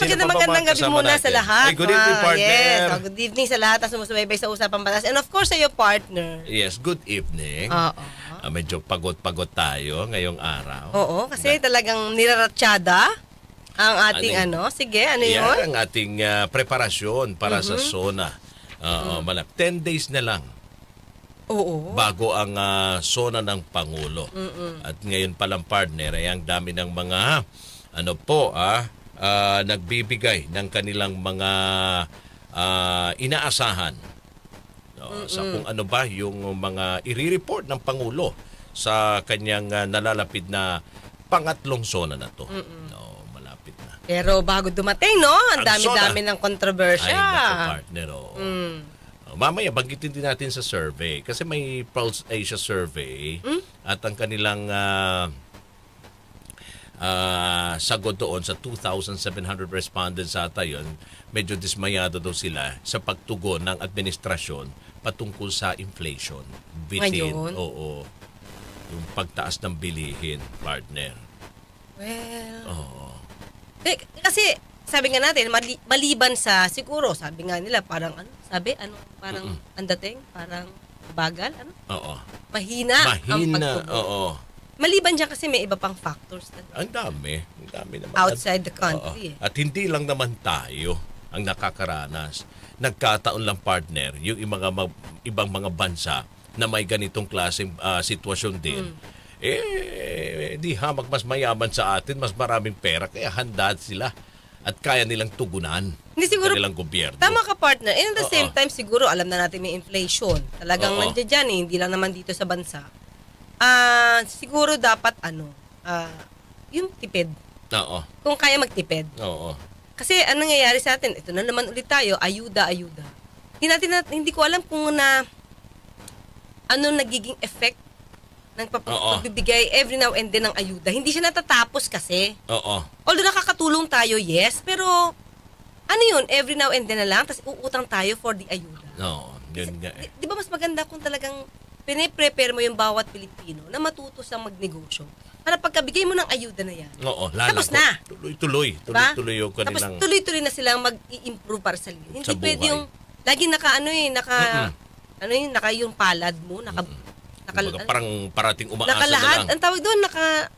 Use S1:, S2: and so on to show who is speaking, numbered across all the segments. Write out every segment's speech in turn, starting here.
S1: magandang gabi muna sa lahat.
S2: Ay, good evening, partner.
S1: Yes, good evening sa lahat na sumusubaybay sa Usapang Batas. And of course, sa iyo, partner.
S2: Yes, good evening.
S1: Oo.
S2: Medyo pagod-pagod tayo ngayong araw.
S1: Oo, kasi talagang niraratsyada ang ating Sige, ano yun?
S2: Yan ang ating preparasyon para sa SONA. 10 days na lang.
S1: Oo.
S2: Bago ang SONA ng Pangulo. At ngayon palang, partner, ay ang dami ng mga nagbibigay ng kanilang mga inaasahan sa kung ano ba yung mga i-report ng Pangulo sa kanyang nalalapit na pangatlong SONA na to. Malapit na.
S1: Pero bago dumating, no? Ang dami-dami ng kontrobersya.
S2: Ay, naku, partner. Mamaya, banggitin din natin sa survey. Kasi may Pulse Asia survey at ang kanilang sagot doon sa 2,700 respondents ata yun, medyo dismayado daw sila sa pagtugon ng administrasyon patungkol sa inflation.
S1: Ngayon?
S2: Oo. Yung pagtaas ng bilihin, partner.
S1: Well, kasi sabi nga natin, maliban sa siguro, sabi nga nila parang parang ang dating, parang bagal,
S2: Oo.
S1: Mahina ang pagtugon.
S2: Oo.
S1: Maliban dyan kasi may iba pang factors.
S2: Ang dami naman.
S1: Outside the country.
S2: At hindi lang naman tayo ang nakakaranas. Nagkataon lang, partner, yung ibang mga bansa na may ganitong klaseng sitwasyon din. Di hamak mas mayaman sa atin, mas maraming pera, kaya handa sila at kaya nilang tugunan kanilang gobyerno.
S1: Tama ka, partner. And at the same time, siguro alam na natin may inflation. Talagang nandiyan dyan, hindi lang naman dito sa bansa. Siguro dapat yung tipid.
S2: Oo.
S1: Kung kaya magtipid.
S2: Oo.
S1: Kasi anong nangyayari sa atin? Ito na naman ulit tayo, ayuda. Hindi ko alam kung nagiging effect ng pagbibigay every now and then ng ayuda. Hindi siya natatapos kasi.
S2: Oo.
S1: Although nakakatulong tayo, yes, pero every now and then na lang, tapos uutang tayo for the ayuda.
S2: No, yun nga eh.
S1: Di ba mas maganda kung talagang pine-prepare mo yung bawat Pilipino na matuto sa magnegosyo? Para pagkabigay mo ng ayuda na yan, tapos na.
S2: Tuloy yung kanilang...
S1: Tapos tuloy-tuloy na silang mag-i-improve para sa linya. Hindi pwede yung, lagi naka yung palad mo,
S2: parang parating umaasa
S1: nakalahat,
S2: na lang.
S1: ang tawag doon,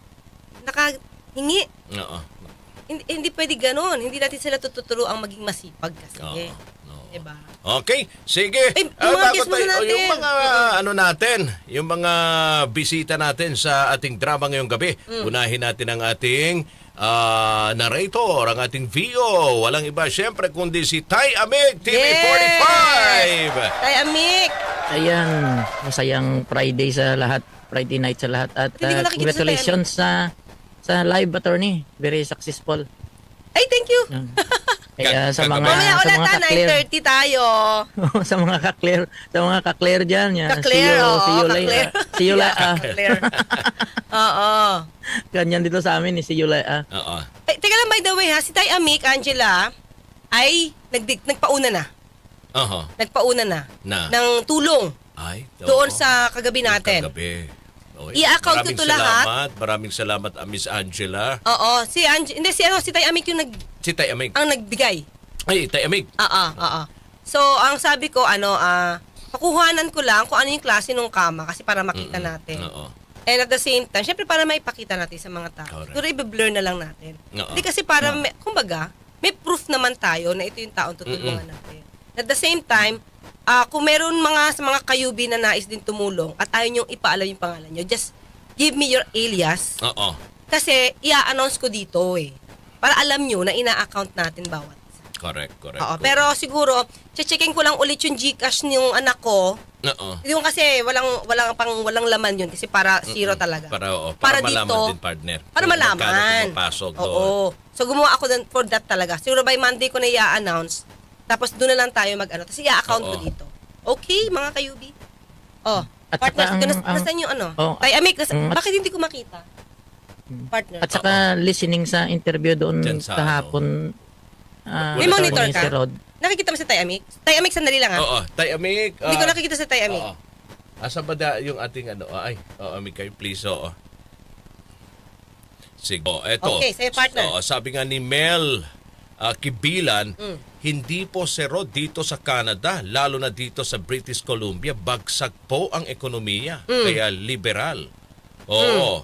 S1: nakahingi.
S2: Oo.
S1: Hindi pwede ganon. Hindi natin sila tuturo ang maging masipag kasi. Diba?
S2: Okay, sige. Yung mga yung mga bisita natin sa ating drama ngayong gabi. Unahin natin ang ating narrator, ang ating VO. Walang iba syempre kundi si Tay Amig, TV45.
S1: Tay Amig.
S3: Ayan, masayang Friday sa lahat. Friday night sa lahat. At congratulations sa live attorney. Very successful.
S1: Ay, thank you.
S3: Kaya sa mga
S1: mamaya ulit 9:30 tayo.
S3: sa mga ka-clear diyan, see you later.
S1: Oo.
S3: Ganyan dito sa amin, see you later.
S2: Oo.
S1: Teka lang, by the way ha, si Tay Amik, Angela ay nagpauna na. Nagpauna na ng tulong. Doon sa kagabi natin. I-account ko to lahat.
S2: Maraming salamat, Miss Angela.
S1: Oo, si Tay Amik yung
S2: Si Tay Amig.
S1: ang nagbigay.
S2: Ay, Tay Amig.
S1: Oo. So, ang sabi ko, pakuhanan ko lang kung ano yung klase ng kama kasi para makita natin. And at the same time, syempre para maipakita natin sa mga tao. Siguro i-blur na lang natin. Hindi kasi para, kumbaga, may proof naman tayo na ito yung taong tutulungan natin. At the same time, kung meron sa mga kayubi na nais din tumulong at ayaw niyong ipaalam yung pangalan niyo, just give me your alias. Kasi i-announce ko dito para alam niyo na ina-account natin bawat.
S2: Correct.
S1: Pero siguro, checking ko lang ulit yung GCash ng anak ko. Yung kasi walang laman yun kasi para zero talaga.
S2: Para malaman dito, din, partner.
S1: Para malaman.
S2: Oo.
S1: So gumawa ako for that talaga. Siguro by Monday ko na i-announce. Tapos doon na lang tayo Tapos i-account ko dito. Okay, mga kayubi. Partner, nasaan yung Tay Amik, bakit hindi ko makita? Partner.
S3: At saka listening sa interview doon kahapon.
S1: May monitor ka? Nakikita mo si Tay Amik? Tay Amik, sandali lang ha.
S2: Oo, Tay Amik.
S1: Hindi ko nakikita si Tay Amik.
S2: Asa ba yung ating Amik kayo, please. Sige. Eto.
S1: Okay, sa'yo, partner.
S2: Sabi nga ni Mel Kibilan, hindi po zero dito sa Canada, lalo na dito sa British Columbia, bagsak po ang ekonomiya. Kaya liberal. Oo.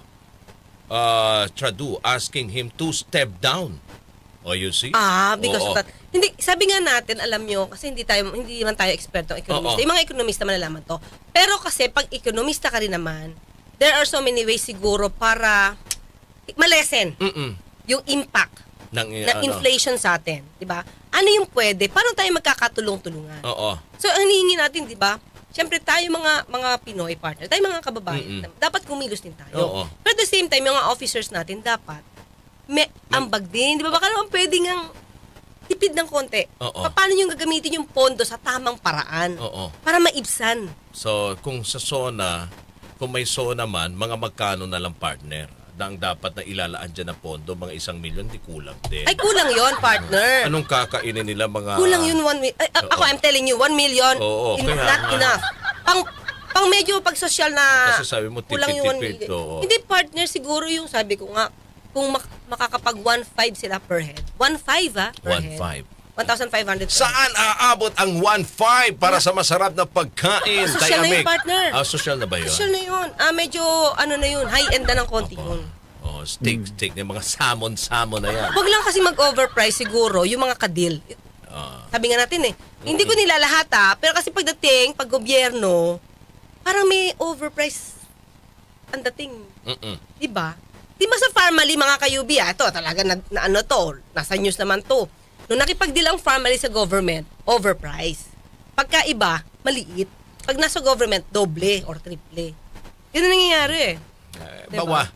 S2: Trudeau asking him to step down. Oh, you see?
S1: Because of that. Hindi, sabi nga natin, alam nyo, kasi hindi man tayo eksperto ekonomista. Yung mga ekonomista malalaman to. Pero kasi pag ekonomista ka rin naman, there are so many ways siguro para malesen yung impact ng inflation sa atin, 'di ba? Ano yung pwede? Paano tayo magkakatulong-tulungan? So ang hinihingi natin, 'di ba? Siyempre tayo mga Pinoy partner, tayo mga kababayan, dapat kumilos din tayo. Pero at the same time, yung mga officers natin dapat may ambag din, 'di ba? Baka naman pwedeng ang tipid ng konti. Paano yung gagamitin yung pondo sa tamang paraan para maibsan?
S2: So, kung sa SONA, kung may SONA man, mga magkano na lang partner na ang dapat na ilalaan dyan na pondo, mga 1 milyon, di kulang din.
S1: Ay, kulang yon partner.
S2: Anong kakainin nila mga...
S1: Kulang yun 1 million. Ako, I'm telling you, 1 million, not enough. Pang medyo pag social na...
S2: Kasi sabi mo,
S1: kulang yung 1 million. Hindi, partner, siguro yung sabi ko nga, kung makakapag 1.5 sila per head. 1.5 per head. 1,500.
S2: Saan aabot ang 1.5 para sa masarap na pagkain?
S1: Social na yun, partner.
S2: Social na ba yun?
S1: Social na yun. Medyo, ano na yun, high-end na ng konti yun.
S2: Steak na mga salmon na yan.
S1: Huwag lang kasi mag-overprice siguro yung mga kadil. Sabi nga natin hindi ko nilalahat pero kasi pagdating, pag gobyerno, parang may overprice ang dating. Diba? Di ba sa Farmally, mga kayubi, ito talaga nasa news naman to. Nung nakipag-deal ang Farmally sa government, overpriced. Pagka iba, maliit. Pag nasa government, doble or triple. Yun ang nangyayari
S2: Bawa.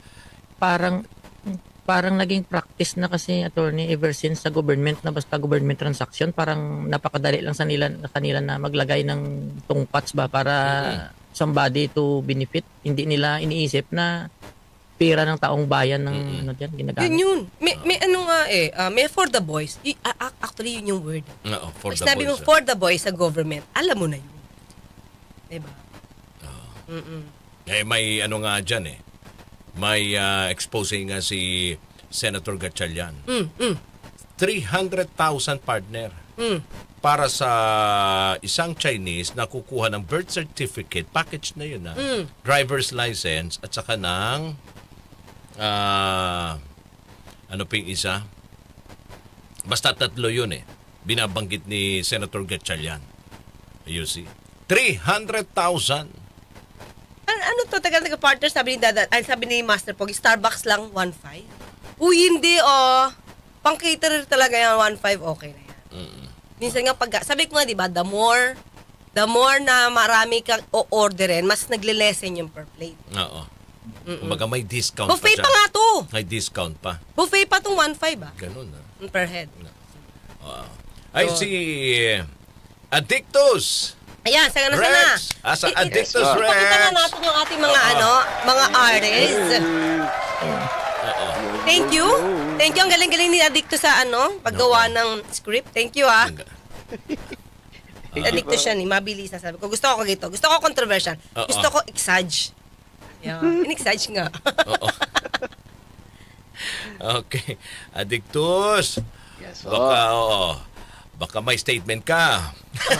S3: Parang naging practice na kasi, attorney, ever since sa government na basta government transaction, parang napakadali lang sa kanila na maglagay ng tungpats ba para somebody to benefit. Hindi nila iniisip na pera ng taong bayan ng ginagamit.
S1: Yun. May may for the boys. Actually, yun yung word.
S2: For the
S1: Sinabi
S2: boys.
S1: mo for the boys sa government, alam mo na yun. Diba?
S2: May nga dyan May exposing nga si Senator Gatchalian. 300,000 partner. Para sa isang Chinese na kukuha ng birth certificate, package na yun driver's license at saka ng ano pa yung isa? Basta 3 yun binabanggit ni Senator Gatchalian. You see? 300,000.
S1: Ano to? Taga-partner, sabi ni Master Pog, Starbucks lang 1.5? Uy, hindi pang caterer talaga yan, 1.5, okay na yan. Minsan nga sabi ko nga, di ba, the more na marami kang o-orderin, mas nagle-lessen yung per plate.
S2: Kumbaga may discount
S1: buffet
S2: pa siya.
S1: Pa nga to.
S2: May discount pa.
S1: Buffet pa tong 1.5
S2: Ganun
S1: per head.
S2: Ay, si Addictus.
S1: Ayan, sana.
S2: Asa Addictus Rex.
S1: Pakita nga natin yung ating mga mga artists. Thank you. Ang galing-galing ni Addictus sa paggawa ng script. Thank you Addictus siya mabilis na sabi ko. Gusto ko gito. Gusto ko controversial. Gusto ko exage. In-exage nga.
S2: Okay. Addictus.
S4: Yes,
S2: Baka may statement ka.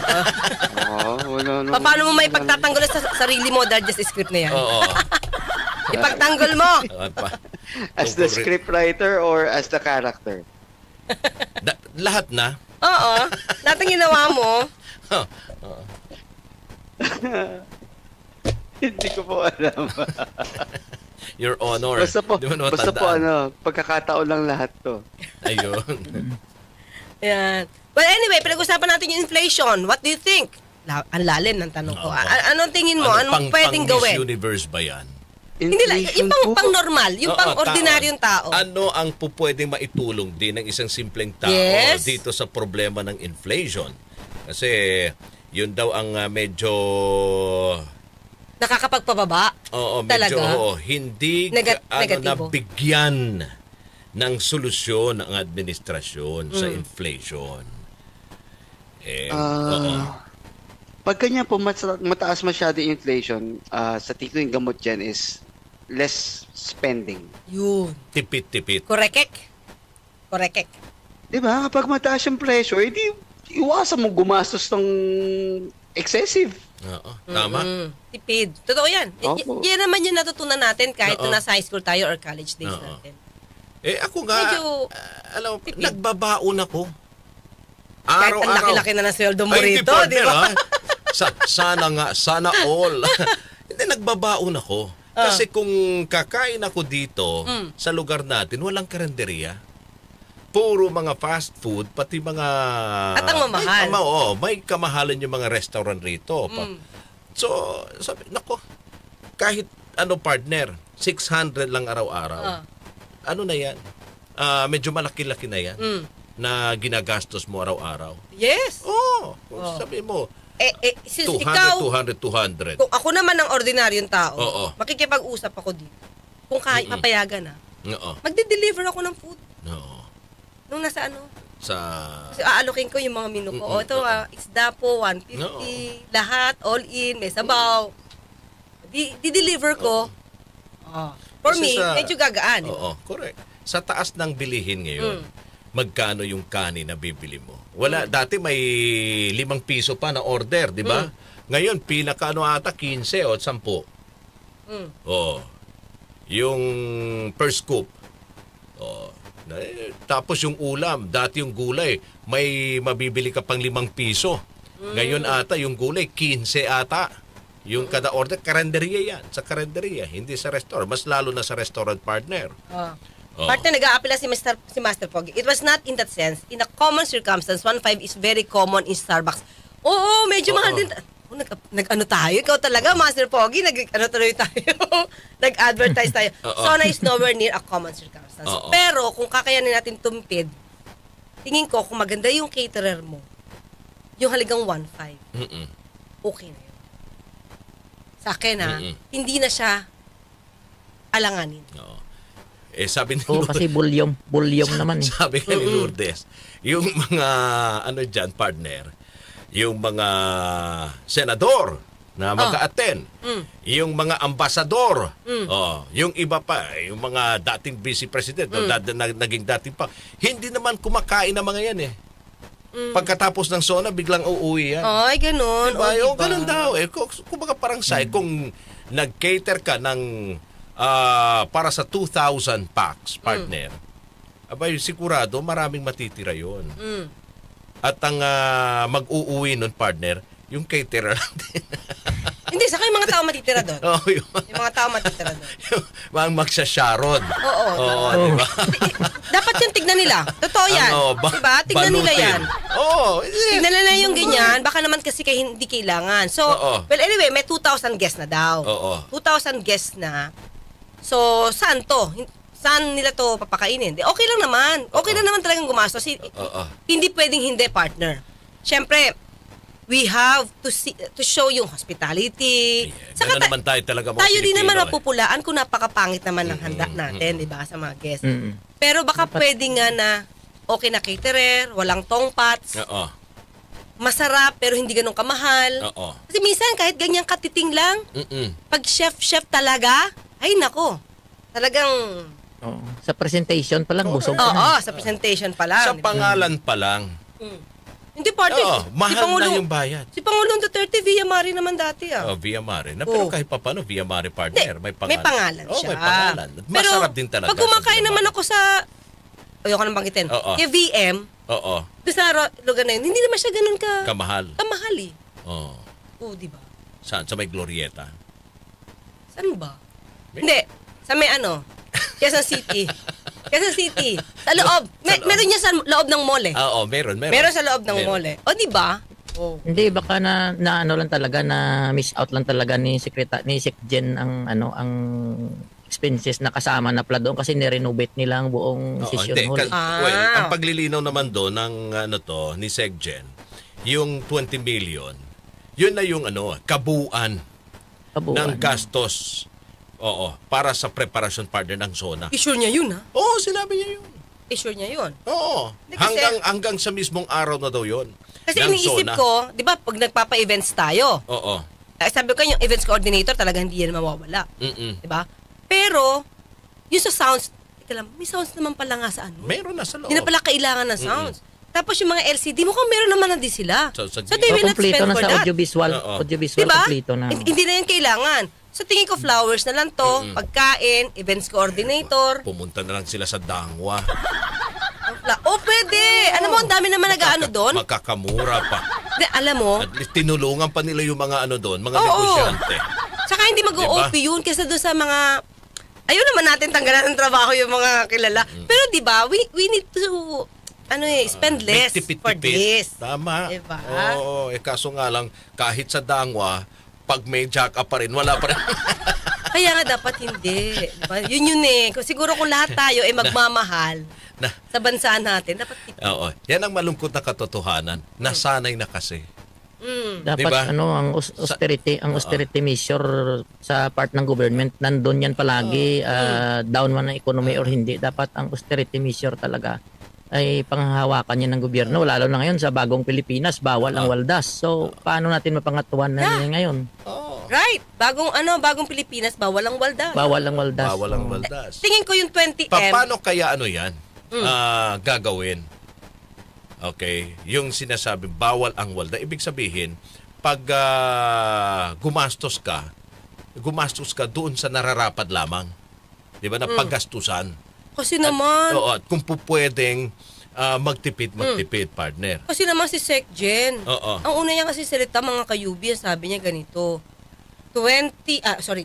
S4: Wala.
S1: Paano mo may pagtatanggol sa sarili mo dahil just script na yan? Ipagtanggol mo.
S4: As the scriptwriter or as the character?
S2: Lahat na.
S1: Oo. Lahat ng ginawa mo.
S4: Hindi ko po alam.
S2: Your Honor.
S4: Basta po pagkakataon lang lahat to.
S2: Ayun.
S1: Yan. Well, anyway, pinag-usapan natin yung inflation. What do you think? Ang lalim ng tanong ko. Anong tingin mo? Anong pwedeng gawin?
S2: Pang Miss Universe ba yan?
S1: Hindi lang. Yung pang normal. Yung pang ordinaryong tao.
S2: Ano ang pwedeng maitulong din ng isang simpleng tao dito sa problema ng inflation? Kasi yun daw ang medyo...
S1: Nakakapagpababa?
S2: Oo, medyo
S1: talaga?
S2: hindi nabigyan ng solusyon ang administrasyon sa inflation.
S4: Pag ganyan po, mataas masyado yung inflation, sa tingin ko yung gamot dyan is less spending.
S1: Yun.
S2: Tipid-tipid.
S1: Korekek.
S4: Di ba? Kapag mataas yung presyo, edi iwasan mo gumastos ng excessive.
S2: Oo, tama.
S1: Tipid. Totoo yan.
S4: Opo.
S1: Yan naman yung natutunan natin kahit
S2: Oo.
S1: nung nasa high school tayo or college days
S2: Oo.
S1: natin.
S2: Ako nga,
S1: Medyo
S2: alam,
S1: tipid.
S2: nagbabaon ako.
S1: Kahit ang
S2: Araw-araw.
S1: laki-laki na ng sweldo mo
S2: Ay, hindi,
S1: rito, di
S2: partner,
S1: ba?
S2: ha? Sana nga, sana all. Hindi, nagbabaon ako. Kasi kung kakain ako dito, sa lugar natin, walang karinderya. Puro mga fast food, pati mga...
S1: At ang mamahal.
S2: May kamahalan yung mga restaurant rito. So, sabi, nako, kahit partner, 600 lang araw-araw. Ano na yan? Medyo malaki-laki na yan na ginagastos mo araw-araw.
S1: Yes.
S2: Sabi mo,
S1: Since
S2: 200,
S1: ikaw,
S2: 200.
S1: kung ako naman ang ordinaryong tao,
S2: Oo.
S1: makikipag-usap ako dito. Kung kahit papayagan na,
S2: Oo.
S1: magde-deliver ako ng food.
S2: Oo.
S1: Nung nasa
S2: Sa...
S1: kasi aalokin ko yung mga menu ko. Ito, isda po, 150,
S2: Oo.
S1: lahat, all in, may sabaw. Di-deliver ko. For
S2: Kasi
S1: me, medyo gagaan.
S2: Correct. Sa taas ng bilihin ngayon, magkano yung kanin na bibili mo? Wala, dati may 5 piso pa na order, di ba? Ngayon, ata 15 o 10. Yung per scoop. Tapos yung ulam, dati yung gulay, may mabibili ka pang 5 piso. Ngayon ata, yung gulay, 15 ata. Yung kada order, karinderya yan. Sa karinderya, hindi sa restaurant. Mas lalo na sa restaurant partner.
S1: Partner, nag-a-apply si Master Pogi. It was not in that sense. In a common circumstance, 1.5 is very common in Starbucks. Oo, medyo mahal din. Nag-ano tayo? Ikaw talaga, Master Pogi. Nag-ano tuloy tayo? Nag-advertise tayo. Sona is nowhere near a common circumstance. Pero, kung kakayanin natin tumpid, tingin ko, kung maganda yung caterer mo, yung halagang 1.5, okay na yun. Sa akin, hindi na siya alanganin.
S2: Sabi ni
S3: Oo, kasi bulyom naman eh.
S2: Sabi ni Lourdes, yung mga dyan, partner, yung mga senador na mag-a-attend, yung mga ambasador, yung iba pa, yung mga dating vice president, naging dating pa, hindi naman kumakain ng mga yan eh. Pagkatapos ng SONA, biglang uuwi yan.
S1: Ay, ganun.
S2: Diba?
S1: Diba?
S2: Ganun daw eh. Kumbaga parang kung nag-cater ka ng para sa 2,000 packs, partner, abay, sigurado maraming matitira yon. At ang mag-uuwi nun, partner, yung caterer lang din.
S1: Hindi, saka yung mga tao matitira doon. Yung mga tao matitira doon.
S2: Yung magsasharod.
S1: Oo.
S2: Diba?
S1: Dapat yung tignan nila. Totoo yan. Diba? Tignan nila yan. Tignan nila yung ganyan. Baka naman kasi hindi kailangan. So, well anyway, may 2,000 guests na daw. 2,000 guests na. So, saan to? Saan nila to papakainin? Okay lang naman. Okay lang naman talagang gumastos. Hindi pwedeng hindi, partner. Siyempre, we have to show yung hospitality.
S2: Saka naman tayo talaga mga
S1: tayo din
S2: Pilipino,
S1: naman mapupulaan kung napakapangit naman ng handa natin, di ba, sa mga guests. Pero baka pwede nga na okay na caterer, walang tongpats, masarap pero hindi ganun kamahal. Kasi minsan kahit ganyang katiting lang, pag chef talaga, ay nako, talagang...
S3: Sa presentation pa lang, busog ka na.
S1: sa presentation pa lang.
S2: Sa pangalan pa lang.
S1: Hindi, partner.
S2: Mahal na yung bayad.
S1: Si Pangulong Duterte, Via Mare naman dati
S2: Via Mare. Pero kahit pa paano, Via Mare partner. May pangalan.
S1: May pangalan siya.
S2: May pangalan. Masarap din talaga.
S1: Pag kumakain naman ako sa... Ayoko nang banggitin. Kaya VM, doon sa lugar na yun, hindi naman siya ganun
S2: kamahal.
S1: Kamahal eh.
S2: Oo.
S1: Di ba?
S2: Saan? Sa may Glorieta?
S1: Saan ba? Hindi. Sa may Quezon City. Quezon City. Sa loob. Meron niya sa loob ng mall eh.
S2: Meron.
S1: Meron sa loob ng mall eh. O, di ba?
S3: Hindi, baka na ano lang talaga, na miss out lang talaga ni Secgen ang expenses na kasama na pala doon kasi ni-renovate nila ang buong session hall.
S2: Ang paglilinaw naman doon ng ni Secgen, yung 20 million, yun na yung kabuuan ng gastos. Para sa preparation partner ng SONA.
S1: I-sure niya yun, ha?
S2: Oo, sinabi niya yun.
S1: I-sure niya yun.
S2: Oo. Hanggang sa mismong araw na daw yun.
S1: Kasi iniisip ko, di ba, pag nagpapa-events tayo, sabi ko yung events coordinator talaga hindi yan mawawala. Di ba? Pero, yung sa sounds, teka lang, may sounds naman pala nga sa ano.
S2: Meron na sa loob.
S1: Hindi na pala kailangan ng sounds. Tapos yung mga LCD, mukhang meron naman na din sila.
S2: So,
S1: they will not
S3: kompleto
S1: spend
S3: na
S1: for
S3: sa
S1: that.
S3: audiovisual.
S2: Oo.
S3: Audiovisual,
S1: Diba?
S3: kompleto na.
S1: Hindi na yan kailangan. So tingin ko flowers na lang to, pagkain, events coordinator.
S2: Pumunta na lang sila sa Dangwa.
S1: Pwede. Alam mo, ang dami naman nag-ano doon.
S2: Makakamura pa.
S1: Alam mo,
S2: At least tinulungan pa nila yung mga ano doon, mga
S1: Oo.
S2: negosyante.
S1: saka hindi mag-OP yun kaysa doon sa mga, ayaw naman natin tanggalan ng trabaho yung mga kilala. Pero di ba, we need to, spend less
S2: May
S1: for this.
S2: Tama.
S1: Diba?
S2: Oo, kaso nga lang, kahit sa Dangwa, pag may jack up pa rin, wala pa rin.
S1: Kaya nga dapat hindi. Diba? Yun eh. Siguro kung lahat tayo ay magmamahal sa bansa natin, dapat
S2: Oo. Yan ang malungkot na katotohanan. Nasanay na kasi.
S3: Dapat
S2: Diba?
S3: ang austerity measure sa part ng government nandun yan palagi, down man ang economy or hindi, dapat ang austerity measure talaga ay panghahawakan yan ng gobyerno, lalo na ngayon sa bagong Pilipinas, bawal ang waldas. So paano natin mapangatuan na yan ngayon?
S1: right. Bagong Pilipinas, bawal ang waldas.
S3: Bawal ang waldas.
S2: Bawal ang waldas.
S1: Tingin ko yung 20M.
S2: Paano kaya yan gagawin? Okay, yung sinasabi bawal ang walda, ibig sabihin pag gumastos ka doon sa nararapat lamang. 'Di ba? Na paggastusan.
S1: Kasi naman.
S2: Oo, at kung pwedeng magtipid partner.
S1: Kasi naman si Sec Jen.
S2: Oo.
S1: Ang una niya kasi salita mga kayubi, sabi niya ganito. 2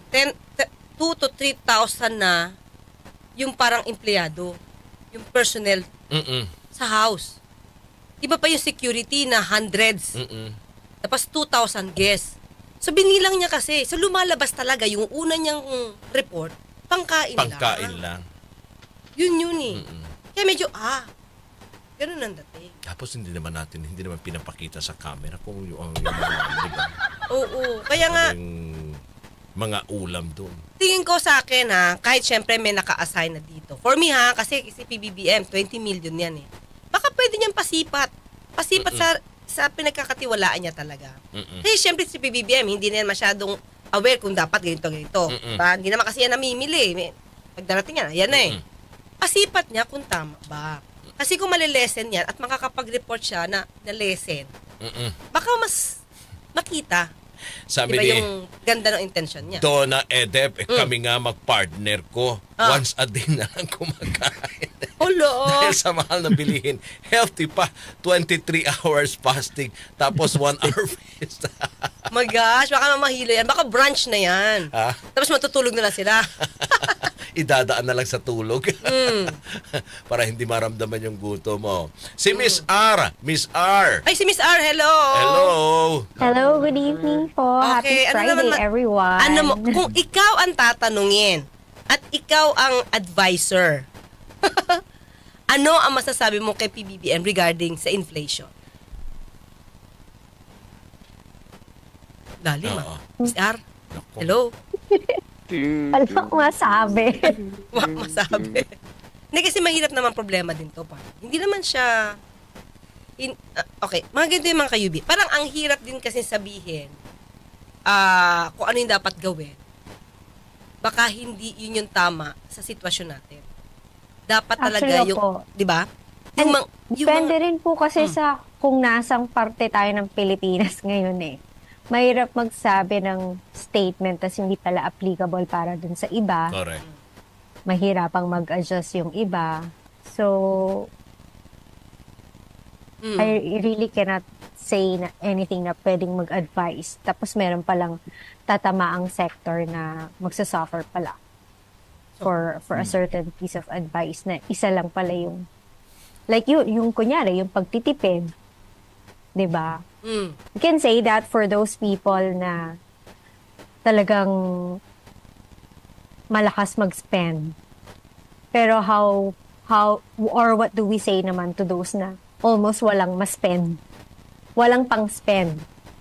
S1: to 3,000 na yung parang empleyado, yung personnel sa house. Iba pa yung security na hundreds. Tapos 2,000 guests. So binilang niya kasi. So lumalabas talaga yung una niyang report, pangkain lang. Yun eh. Kaya medyo, ganun ang dating.
S2: Tapos hindi naman pinapakita sa camera kung yung mga, di ba?
S1: Oo. Kaya nga,
S2: Yung mga ulam doon.
S1: tingin ko sa akin kahit syempre may naka-assign na dito. For me kasi si PBBM, 20 million yan eh. Baka pwede niyang pasipat. Pasipat sa pinagkakatiwalaan niya talaga. Kasi syempre si PBBM, hindi na yan masyadong aware kung dapat ganito. Diba? Hindi naman kasi yan namimili. Pag darating yan, yan na eh. Pasipat niya kung tama ba. Kasi kung malilesen yan at makakapag-report siya na lesson, baka mas makita.
S2: Sabi
S1: Diba
S2: ni
S1: yung ganda ng intention niya?
S2: Donna Edep, kami nga mag-partner ko. Once a day na lang kumakain. Dahil sa mahal na bilihin. Healthy pa. 23 hours fasting. Tapos 1 hour fast.
S1: My gosh, baka mamahilo yan. Baka brunch na yan. Tapos matutulog na lang sila.
S2: Idadaan na lang sa tulog. Para hindi maramdaman yung gutom mo. Si Miss R. Miss R.
S1: Ay, si Miss R, hello!
S2: Hello.
S5: Hello, good evening po.
S1: Okay,
S5: Happy Friday, everyone.
S1: Kung ikaw ang tatanungin at ikaw ang advisor, ano ang masasabi mo kay PBBM regarding sa inflation? Lalim Miss R, hello?
S5: Wala akong masabi.
S1: Wag masabi. Hindi kasi mahirap naman problema din to. Hindi naman siya... okay, mga ganito yung mga kayubi. Parang ang hirap din kasi sabihin kung ano yung dapat gawin. Baka hindi yun yung tama sa sitwasyon natin. Dapat talaga
S5: Actually,
S1: yung... Di ba?
S5: Depende rin po kasi sa kung nasang parte tayo ng Pilipinas ngayon eh. Mahirap magsabi ng statement tas hindi pala applicable para dun sa iba.
S2: Correct.
S5: Mahirapang mag-adjust yung iba. So, I really cannot say anything na pwedeng mag-advise. Tapos meron palang tatamaang sector na magsasuffer pala for a certain piece of advice na isa lang pala yung like yung kunyari, yung pagtitipid. 'Di ba? You can say that for those people na talagang malakas mag-spend. Pero how or what do we say naman to those na almost walang ma-spend? Walang pang-spend.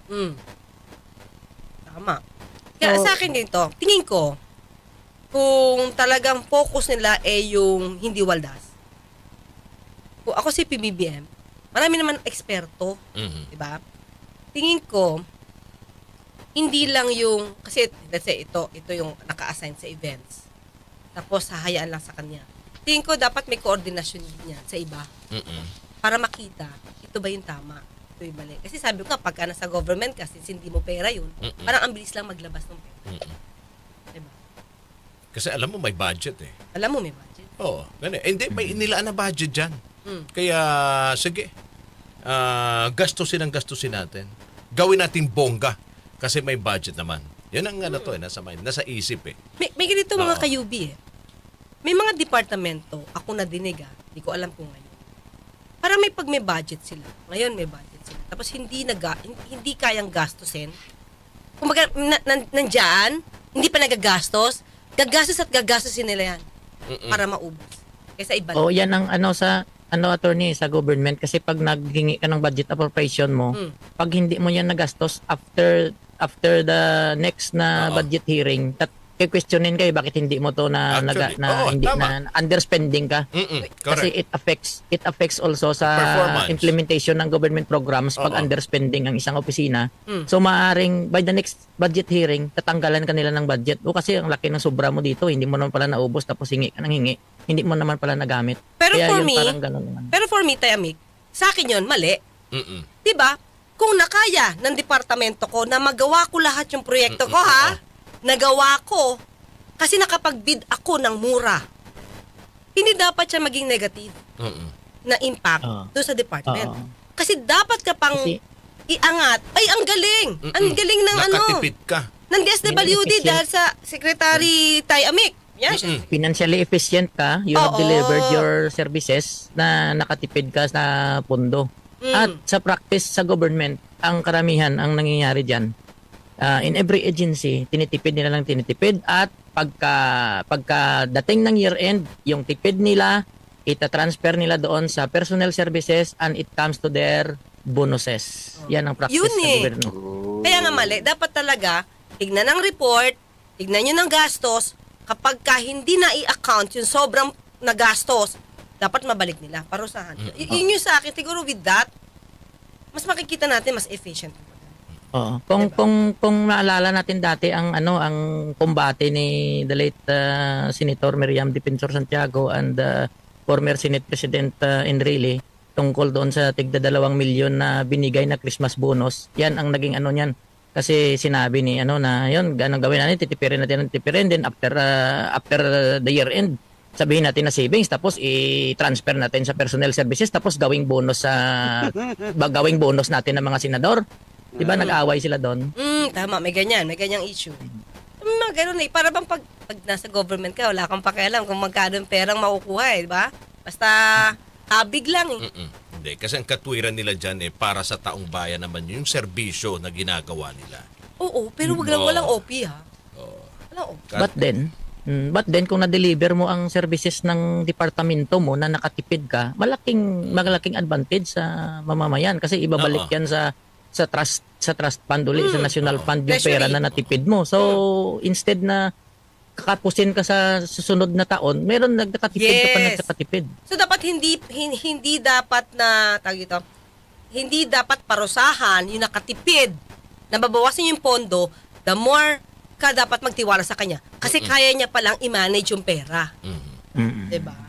S1: Tama. Kaya sa akin dito, tingin ko, kung talagang focus nila yung hindi waldas. Kung ako si PBBM, marami naman eksperto, di ba? Tingin ko, hindi lang yung, kasi let's say ito yung naka-assign sa events. Tapos hahayaan lang sa kanya. tingin ko dapat may koordinasyon din yan sa iba.
S2: Mm-mm.
S1: Para makita, ito ba yung tama? Ito yung mali. Kasi sabi ko nga, pagka nasa government ka, since hindi mo pera yun, parang ang bilis lang maglabas ng pera. Diba?
S2: Kasi alam mo, may budget eh.
S1: Alam mo, may budget.
S2: Oo. Ganun. Hindi, may inilaan na budget dyan. Kaya, sige, gastusin natin. Gawin natin bongga. Kasi may budget naman. Yan ang nasa mind, nasa isip eh.
S1: May ganito mga
S2: Oo.
S1: kayubi eh. May mga departamento, ako nadinig hindi ko alam kung ngayon. Parang may budget sila. Ngayon may budget sila. Tapos hindi kayang gastusin. Kumbaga, nandyan, hindi pa nagagastos, gagastusin nila yan para maubos. Kaysa iba
S3: O yan ang attorney sa government kasi pag naghingi ka ng budget appropriation mo, pag hindi mo yan nagastos after the next na
S2: Oo.
S3: budget hearing, questionin kayo bakit hindi mo to
S2: Actually, oo,
S3: hindi
S2: tama.
S3: na underspending ka.
S2: Correct.
S3: Kasi it affects also sa
S2: Performance.
S3: implementation ng government programs pag
S2: Oo.
S3: underspending ang isang opisina. So maaring by the next budget hearing, tatanggalan ka nila ng budget. O kasi ang laki ng sobra mo dito, hindi mo naman pala naubos tapos hingi ka ng hingi. Hindi mo naman pala nagamit.
S1: Pero
S3: Kaya
S1: for
S3: yun,
S1: me,
S3: parang ganun naman.
S1: Pero for me, Tayamik, sa akin yun, mali.
S2: Mm-mm.
S1: Diba? Kung nakaya ng departamento ko na magawa ko lahat yung proyekto ko, nagawa ko, kasi nakapag-bid ako ng mura. Hindi dapat siya maging negative
S2: Mm-mm.
S1: na impact
S3: Oo.
S1: doon sa department.
S3: Oo.
S1: Kasi dapat ka pang
S3: Kasi-
S1: iangat. Ay, ang galing! Ang galing ng
S2: Nakatipid ka.
S1: ng DSWD
S3: Efficient.
S1: dahil sa Secretary Tayamik. Yan siya.
S3: Financially efficient ka, you have
S1: Oo.
S3: delivered your services na nakatipid ka sa pondo. At sa practice sa government, ang karamihan ang nangyayari dyan, in every agency, tinitipid at pagka dating ng year end, yung tipid nila, ita-transfer nila doon sa personnel services and it comes to their bonuses. Yan ang practice
S1: Yun
S3: sa
S1: eh.
S3: gobyerno.
S1: Kaya nga mali, dapat talaga, tignan ang report, tignan nyo ng gastos, kapag ka hindi na i-account yung sobrang nagastos, dapat mabalik nila, parusahan. Yun yung sa akin, siguro with that, mas makikita natin, mas efficient.
S3: Oo. Kung maalala natin dati ang kombate ni the late Senator Miriam Defensor Santiago and former Senate President Enrile tungkol doon sa tigda 2 milyon na binigay na Christmas bonus. Yan ang naging niyan. Kasi sinabi ni na yun, ganun gawin natin, titipirin then after the year end, sabihin natin na savings tapos i-transfer natin sa personnel services tapos gawing bonus natin ng mga senador. 'Di ba nag-away sila doon?
S1: Tama, may ganyang issue. Mga ganun eh, para bang pag nasa government ka, wala kang pakialam kung magkano yung perang makukuha di ba? Basta habig lang eh.
S2: Hindi, kasi ang katwiran nila dyan para sa taong bayan naman yung serbisyo na ginagawa nila.
S1: Oo, pero walang OP Walang OP.
S3: But then kung na-deliver mo ang services ng departamento mo na nakatipid ka, malaking advantage sa mamamayan kasi ibabalik yan sa trust fund ulit, sa national fund yung pera na natipid mo. So instead na kakapusin ka sa susunod na taon, meron nagkatipid ka pa nagkatipid.
S1: So dapat hindi dapat na hindi dapat parusahan yung nakatipid na babawasan yung pondo, the more ka dapat magtiwala sa kanya kasi kaya niya palang i-manage yung pera. 'Di ba?